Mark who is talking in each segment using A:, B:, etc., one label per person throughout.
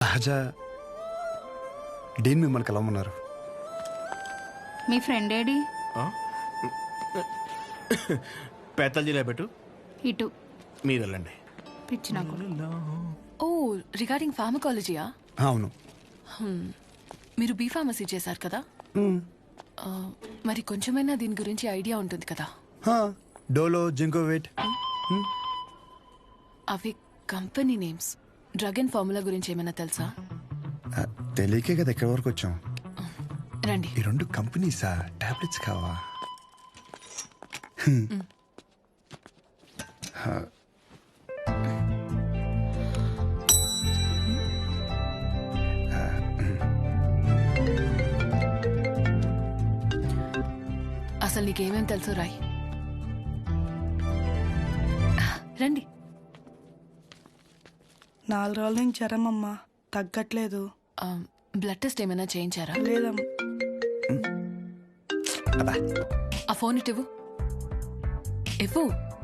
A: సహజ డీన్ మిమ్మల్ని కలవమన్నారు.
B: మీ friend AD?
C: పేతల జిల్లా పెట్టు,
B: ఇటు
C: మీరు వెళ్ళండి.
B: పిచ్చి నాకు.
D: ఓ రిగార్డింగ్ ఫార్మకాలజీయా?
A: అవును.
D: మీరు బీ ఫార్మసీ చేశారు కదా, మరి కొంచెమైనా దీని గురించి ఐడియా ఉంటుంది కదా.
A: డోలో, జింకోవేట్.
D: అవి company names. Drug and formula గురించి ఏమైనా తెలుసా?
A: తెలియకే కదా ఎక్కడి వరకు వచ్చాం.
D: రండి.
A: ఈ రెండు కంపెనీసా? టాబ్లెట్స్ కావా?
D: అసలు నీకేమేం తెలుసు రాయ్. రండి.
E: 4 రోజుల నుంచి జ్వరం అమ్మా, తగ్గట్లేదు.
D: బ్లడ్ టెస్ట్ ఏమైనా చేయించారా?
E: లేదమ్మా.
D: ఆ ఫోన్ ఇటు ఇవ్వు. ఇవ్వు.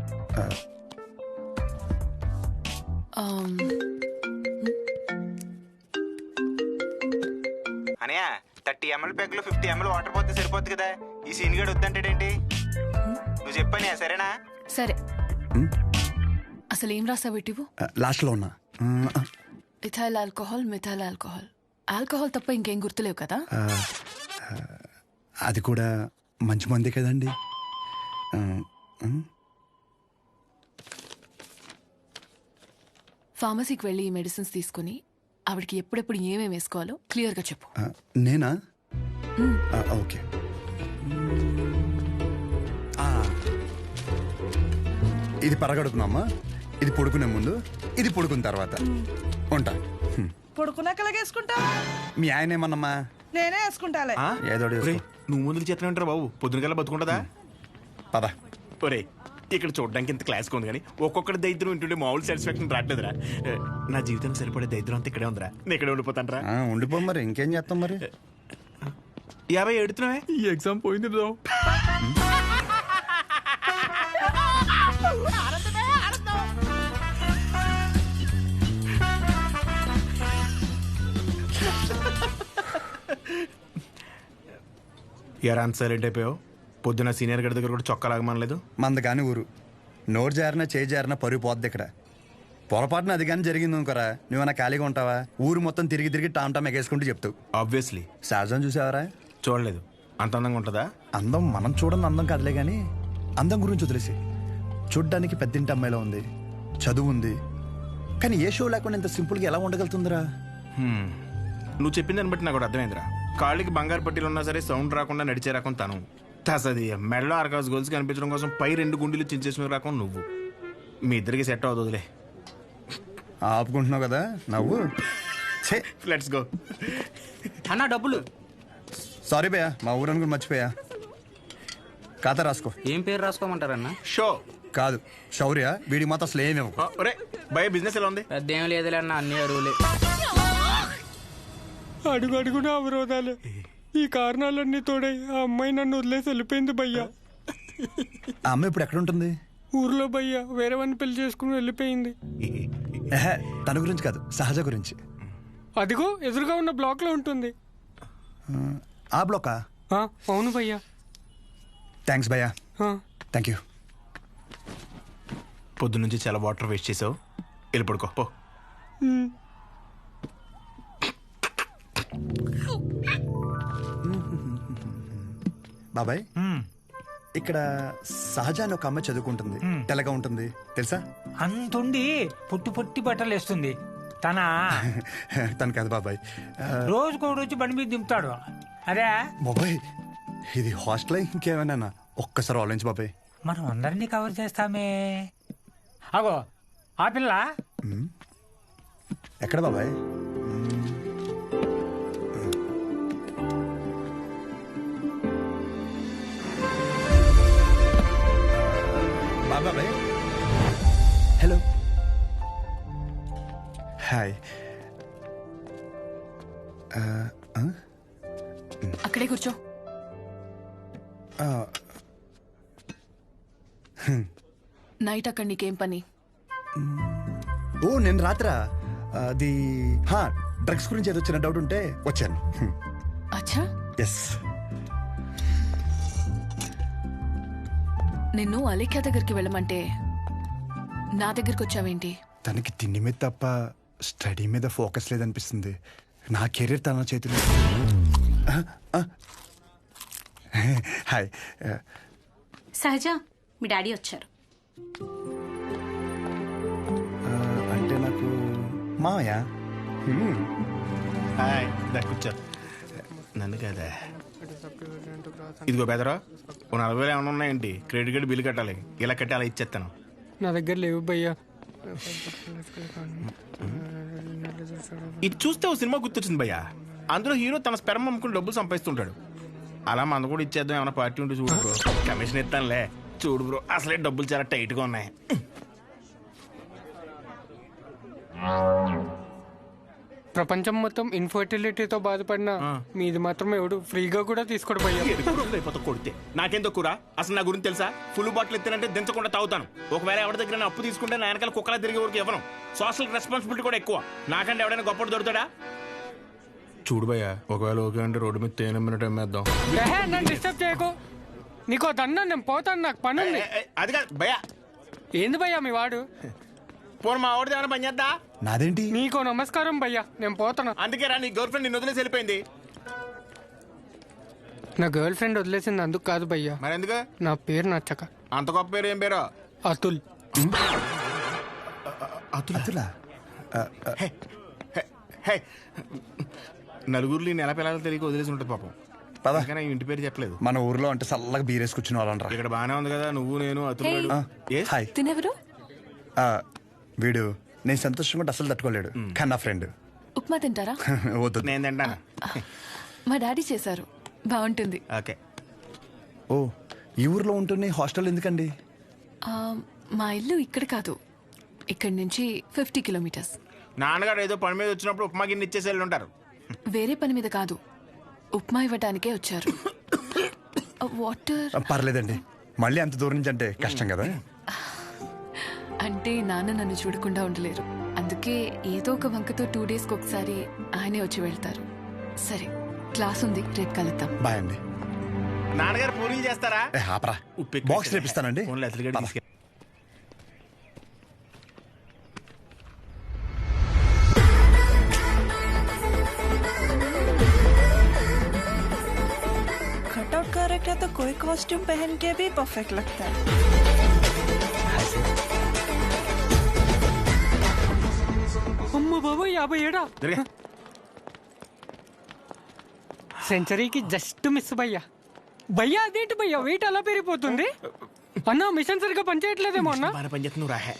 F: అనయా 30 ml ప్యాక్లో 50 ml వాటర్ పోతే సరిపోద్ది కదా. ఈ సీన్ గడు వద్దంటాడేంటి? నువ్వు చెప్పానే, సరేనా?
D: సరే. అసలు ఏం రాసావు? ఇటు ఇవ్వు.
A: లాస్ట్లో ఉన్నా.
D: Ethyl alcohol, methyl alcohol. Alcohol తప్ప ఇంకేం గుర్తులేవు కదా?
A: అది కూడా మంచి మందే కదండి.
D: ఫార్మసీకి వెళ్ళి ఈ మెడిసిన్స్ తీసుకుని ఆవిడకి ఎప్పుడెప్పుడు ఏమేమి వేసుకోవాలో క్లియర్గా చెప్పు.
A: నేనా? ఓకే. ఇది పరగడుపునమ్మా, ఇది పడుకునే ముందు, ఇది పడుకున్న తర్వాత. ఉంటా.
E: పడుకున్నాక వేసుకుంటా.
A: మీ ఆయన ఏమన్నమ్మా?
E: నేనే వేసుకుంటాలే.
A: ఏదో
C: నువ్వు ముందుకు చేతనే ఉంటారా బాబు? పొద్దునకల్లా బతుకుంటుందా?
A: పద.
C: ఒరే, ఇక్కడ చూడడానికి ఇంత క్లాస్గా ఉంది కానీ ఒక్కొక్కటి దరిద్రం వింటుంటే మామూలు సాటిస్ఫాక్షన్ రావట్లేదురా. నా జీవితానికి సరిపడే దరిద్రం అంతా ఇక్కడే ఉందిరా. నేను ఇక్కడే ఉండిపోతాను రా.
A: ఉండిపో. మరి ఇంకేం చేస్తాం? మరి
C: 50 ఎడుతున్నావే? ఈ ఎగ్జామ్ పోయింది బ్రో. ఎరా అంత సైలెంట్ అయిపోయావు? పొద్దున సీనియర్ గడి దగ్గర కూడా చొక్కా లాగమనలేదు.
A: మంద కానీ ఊరు నోరు జారినా చేయి జారినా పరుగు పోద్ది ఇక్కడ. పొరపాటున అది కానీ జరిగింది అనుకోరా, నువ్వన్నా ఖాళీగా ఉంటావా? ఊరు మొత్తం తిరిగి తిరిగి టామ్ టామ్ ఎగేసుకుంటూ చెప్తావు.
C: ఆబ్వియస్లీ.
A: సహజం చూసావరా?
C: చూడలేదు. అంత అందంగా ఉంటుందా?
A: అందం మనం చూడని అందం కాదులే కానీ అందం గురించి వదిలేసి. చూడ్డానికి పెద్దింటి అమ్మాయిలో ఉంది, చదువు ఉంది, కానీ ఏ షో లేకుండా ఇంత సింపుల్గా ఎలా ఉండగలుగుతుందిరా?
C: నువ్వు చెప్పిన దాన్ని బట్టి నాకు కూడా అర్థమైందిరా. కాళ్ళకి బంగారు పట్టీలు ఉన్నా సరే సౌండ్ రాకుండా నడిచే రకం తను. తసది మెడలో ఆర్కాస్ గోల్స్ కనిపించడం కోసం పై 2 గుండెలు చించేసిన రకం నువ్వు. మీ ఇద్దరికి సెట్ అవుతుందిలే.
A: ఆపుకుంటున్నావు కదా నవ్వు.
C: Let's go.
F: అన్న డబ్బులు.
A: సారీ భయ్యా, మా ఊరని కూడా మర్చిపోయా. ఖాతా రాసుకో.
F: ఏం పేరు రాసుకోమంటారన్న?
C: షో
A: కాదు, శౌర్య. వీడికి మాత్రం అసలు ఏమేమో.
C: ఒరే భయ, బిజినెస్ ఎలా ఉంది?
F: పెద్ద ఏం లేదులే అన్న, అన్ని అరువులే.
G: అడుగు అడుగున అవరోధాలే. ఈ కారణాలన్నీ తోడై ఆ అమ్మాయి నన్ను వదిలేసి వెళ్ళిపోయింది భయ్యా.
A: ఆ అమ్మాయి ఇప్పుడు ఎక్కడ ఉంటుంది?
G: ఊర్లో భయ్యా, వేరే వాడిని పెళ్లి చేసుకుని వెళ్ళిపోయింది.
A: తన గురించి కాదు, సహజ గురించి.
G: అదిగో ఎదురుగా ఉన్న బ్లాక్ లో ఉంటుంది.
A: ఆ బ్లాకా?
G: అవును భయ్యా.
A: థ్యాంక్స్ భయ్యా. Thank you.
C: పొద్దు నుంచి చాలా వాటర్ వేస్ట్ చేసావు. వెళ్ళి పడుకో పో.
A: బాబాయ్, ఇక్కడ సహజ అని ఒక అమ్మాయి చదువుకుంటుంది, తెల్లగా ఉంటుంది తెలుసా?
H: అంతుండి పుట్టి పుట్టి బట్టలు వేస్తుంది.
A: తను కాదు బాబాయ్,
H: రోజుకో రోజు బండి మీద దింపుతాడు. అదే
A: బాబాయ్, ఇది హాస్టల్ ఇంకేమైనా? ఒక్కసారి ఆలోచించు బాబాయ్.
H: మనం అందరినీ కవర్ చేస్తామే. అగో ఆ పిల్ల
A: ఎక్కడ బాబాయ్? బాబాయ్ హలో. హాయ్.
D: అక్కడే కూర్చో. నైట్ అక్కడ నీకేం పని?
A: ఓ నేను రాత్రా అది డ్రగ్స్ గురించి ఏదో చిన్న డౌట్ ఉంటే వచ్చాను.
D: అచ్చా,
A: ఎస్.
D: నిన్ను అలేఖ్య దగ్గరికి వెళ్ళమంటే నా దగ్గరికి వచ్చావేంటి?
A: తనకి తిండి మీద తప్ప స్టడీ మీద ఫోకస్ లేదనిపిస్తుంది. నా కెరీర్ తన చేతిలో. హాయ్.
B: సహజ, మీ డాడీ వచ్చారు.
A: అంటే నాకు మామయ్య.
C: హాయ్, దా కూర్చో. నన్ను కదా. ఇదిగో బెదరా, ఓ 40,000 ఏమైనా ఉన్నాయండి? క్రెడిట్ కార్డు బిల్లు కట్టాలి. ఇలా కట్టి అలా ఇచ్చేస్తాను.
G: నా దగ్గర లేవు భయ్యా.
C: ఇది చూస్తే ఓ సినిమా గుర్తొచ్చింది భయ్యా. అందులో హీరో తన స్పెర్మ్ అమ్ముకుని డబ్బులు సంపాదిస్తుంటాడు. అలా మన కూడా ఇచ్చేద్దాం, ఏమైనా పార్టీ ఉంటే చూడు బ్రో. కమిషన్ ఇస్తానులే. చూడు బ్రో, అసలే డబ్బులు చాలా టైట్గా ఉన్నాయి.
G: ప్రపంచం మొత్తం ఇన్ఫర్టిలిటీతో బాధపడిన మీది మాత్రం ఎవడు ఫ్రీగా కూడా తీసుకోడు భయ్యా.
C: అయిపోతా కొడితే నాకేం తక్కువ. అసలు నా గురించి తెలుసా? ఫుల్ బాటిల్ ఎత్తానంటే దించకుండా తాగుతాను. ఒకవేళ ఎవరి దగ్గర అప్పు తీసుకుంటే నా వెనకాల కుక్కలా తిరిగే వరకు ఇవ్వను. సోషల్ రెస్పాన్సిబిలిటీ కూడా ఎక్కువ. నాకంటే ఎవడైనా గొప్పడు దొరుకుతాడా? చూడు భయ్యా, ఒకవేళ ఓకే అంటే రోడ్డు మీద తేనె మినిట్ అమ్మేద్దాం.
G: నన్ను డిస్టర్బ్ చేయకు. నీకో దన్నా, నేను పోతాను, నాకు పని ఉంది.
C: అది కాదు భయ్యా.
G: ఏంది భయ్యా మీ వాడు?
C: పోను మా ఆవిడ ఏమైనా పని చేద్దా?
A: నాదేంటి?
G: నీకో నమస్కారం భయ్యా, నేను పోతాను.
C: అందుకే రా, నీ గర్ల్ ఫ్రెండ్ నిన్ను వదిలేసి వెళ్ళిపోయింది.
G: నా గర్ల్ ఫ్రెండ్ వదిలేసింది అందుకు కాదు భయ్యా,
C: మరి ఎందుకు?
G: నా పేరు నచ్చక.
C: అంత గొప్ప పేరు ఏం పేరు?
G: అతుల్.
A: అతులా?
C: నలుగురిలో నెల పిల్లలు తెలియక వదిలేసి ఉంటుంది పాపం.
A: పద.
C: కానీ ఇంటి పేరు చెప్పలేదు.
A: మన ఊర్లో అంటే చల్లగా బీరేసి కూర్చుని వాళ్ళనరా.
C: ఇక్కడ బానే ఉంది కదా, నువ్వు నేను అతులు.
A: హాయ్.
D: తినెవరు?
A: వీడు నేను సంతోషంగా ఉంటే అసలు తట్టుకోలేడు, కానీ నా ఫ్రెండ్.
D: ఉప్మా తింటారా?
A: వద్దు.
C: నేను తింటాను.
D: మా డాడీ చేశారు, బాగుంటుంది.
C: ఓకే.
A: ఓ, ఈ ఊర్లో ఉంటున్న హాస్టల్ ఎందుకండి?
D: ఆ, మా ఇల్లు ఇక్కడ కాదు, ఇక్కడి నుంచి 50 కిలోమీటర్స్.
C: నాన్నగారు ఏదో పని మీద వచ్చినప్పుడు ఉప్మా గిన్నె ఇచ్చేసి వెళ్ళి ఉంటారు.
D: వేరే పని మీద కాదు, ఉప్మా ఇవ్వడానికే వచ్చారు. వాటర్
A: పర్లేదండి, మళ్ళీ అంత దూరం నుంచి అంటే కష్టం కదా.
D: అంటే నాన్న నన్ను చూడకుండా ఉండలేరు, అందుకే ఏదో ఒక వంకతో 2 డేస్కి ఒకసారి ఆయనే వచ్చి వెళ్తారు. సరే, క్లాస్ ఉంది, రేపు కలుద్దాం.
A: బాయ్ అండి.
C: నాన్నగారు పూరీలు చేస్తారా?
A: ఆపరా, బాక్స్ రేపిస్తానండి.
E: कटआउट कर रखा तो कोई कॉस्ट्यूम पहन के भी परफेक्ट लगता है.
G: అమ్మ బాబు 57. సెంచరీకి జస్ట్ మిస్ భయ్యా. భయ్యా అదేంటి భయ్యా, వెయిట్ అలా పెరిగిపోతుంది? అన్న మిషన్ సరిగ్గా పనిచేయట్లేదేమో అన్న.
C: బాగా పనిచేస్తున్నావు రాహే.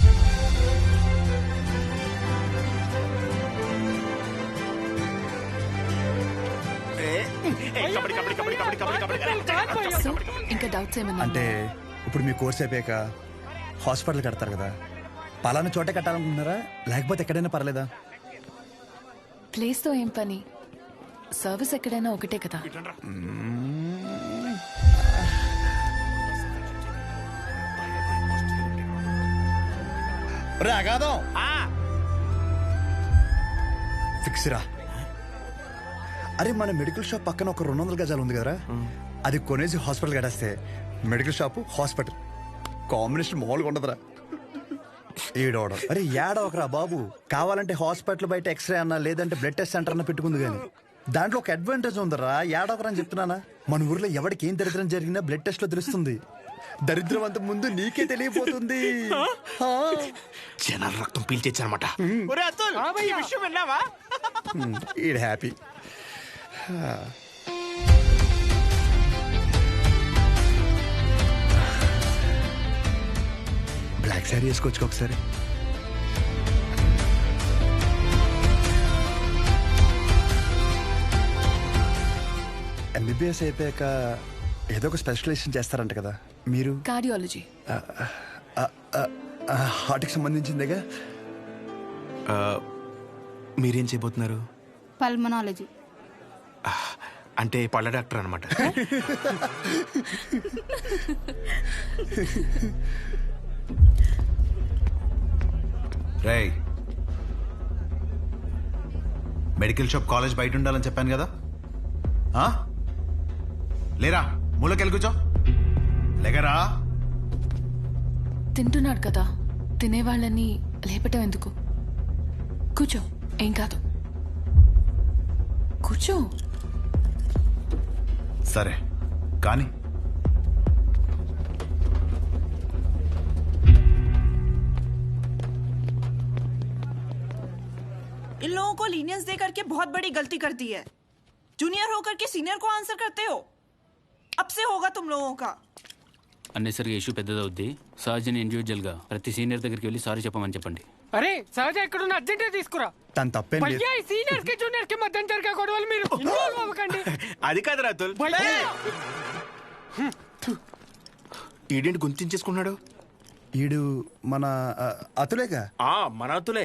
D: సో ఇంకా డౌట్స్ ఏమన్నా?
A: అంటే ఇప్పుడు మీ కోర్స్ అయిపోయాక హాస్పిటల్ కడతారు కదా, పలానా చోటే కట్టాలనుకుంటున్నారా లేకపోతే ఎక్కడైనా పర్లేదా?
D: ప్లేస్తో ఏం పని, సర్వీస్ ఎక్కడైనా ఒకటే కదా.
A: అగాదం ఫిక్స్ రా. అరే, మన మెడికల్ షాప్ పక్కన ఒక 200 గజాలు ఉంది కదరా, అది కొనేసి హాస్పిటల్ కట్టేస్తే మెడికల్ షాప్ హాస్పిటల్ కాంబినేషన్ మామూలుగా ఉండదురా. ఏడవడం అరే ఏడవకరా బాబు, కావాలంటే హాస్పిటల్ బయట ఎక్స్రే అన్నా లేదంటే బ్లడ్ టెస్ట్ సెంటర్ అన్న పెట్టుకుంది కానీ దాంట్లో ఒక అడ్వాంటేజ్ ఉందరా. ఏడవకరా అని చెప్తున్నానా. మన ఊర్లో ఎవరికి ఏం దరిద్రం జరిగినా బ్లడ్ టెస్ట్ లో తెలుస్తుంది. దరిద్రం అంత ముందు నీకే తెలియపోతుంది.
C: జనాల రక్తం పీల్చేచ్చనమాట.
A: ఈడ్ హ్యాపీ. బ్లాక్ శారీ వేసుకోవచ్చు ఒకసారి. ఎంబీబీఎస్ అయిపోయాక ఏదో ఒక స్పెషలైజేషన్ చేస్తారంట కదా మీరు?
D: కార్డియాలజీ.
A: హార్ట్కి సంబంధించిందేగా.
C: మీరేం చేయబోతున్నారు?
B: పల్మనాలజీ.
C: అంటే పళ్ళ డాక్టర్ అనమాట.
I: రేయ్, మెడికల్ షాప్ కాలేజ్ బయట ఉండాలని చెప్పాను కదా ఆ? లేరా మూలకెళ్ళి కూర్చో లేకరా.
D: తింటున్నాడు కదా, తినేవాళ్ళని లేపటం ఎందుకు? కూర్చో, ఏం కాదు. కూర్చో.
I: సరే కానీ
E: इन लोगों को लीनियंस दे करके बहुत बड़ी गलती कर दी है। जूनियर होकर के सीनियर को आंसर करते हो। अब से होगा तुम लोगों का।
J: అన్నెసరిగా ఇష్యూ పెద్దదవుద్ది. సహజని ఇండివిజువల్గా ప్రతి సీనియర్ దగ్గరికి వెళ్ళి సారీ చెప్పమని చెప్పండి.
G: అరే సహజ ఎక్కడున్న అర్జెంట్ తీసుకురా.
A: తను తప్పేం లేదు.
G: భయ్యా ఈ సీనియర్ కి జూనియర్ కి మధ్య జరిగే గొడవలు మీరు ఇన్వాల్వ్ అవ్వకండి.
C: అది కాదు రాతుల్.
G: భయ్యా
C: ఈడేంటి గుంతించేసుకున్నాడు?
A: ఈడు మన అతులేగా.
C: మన అతులే.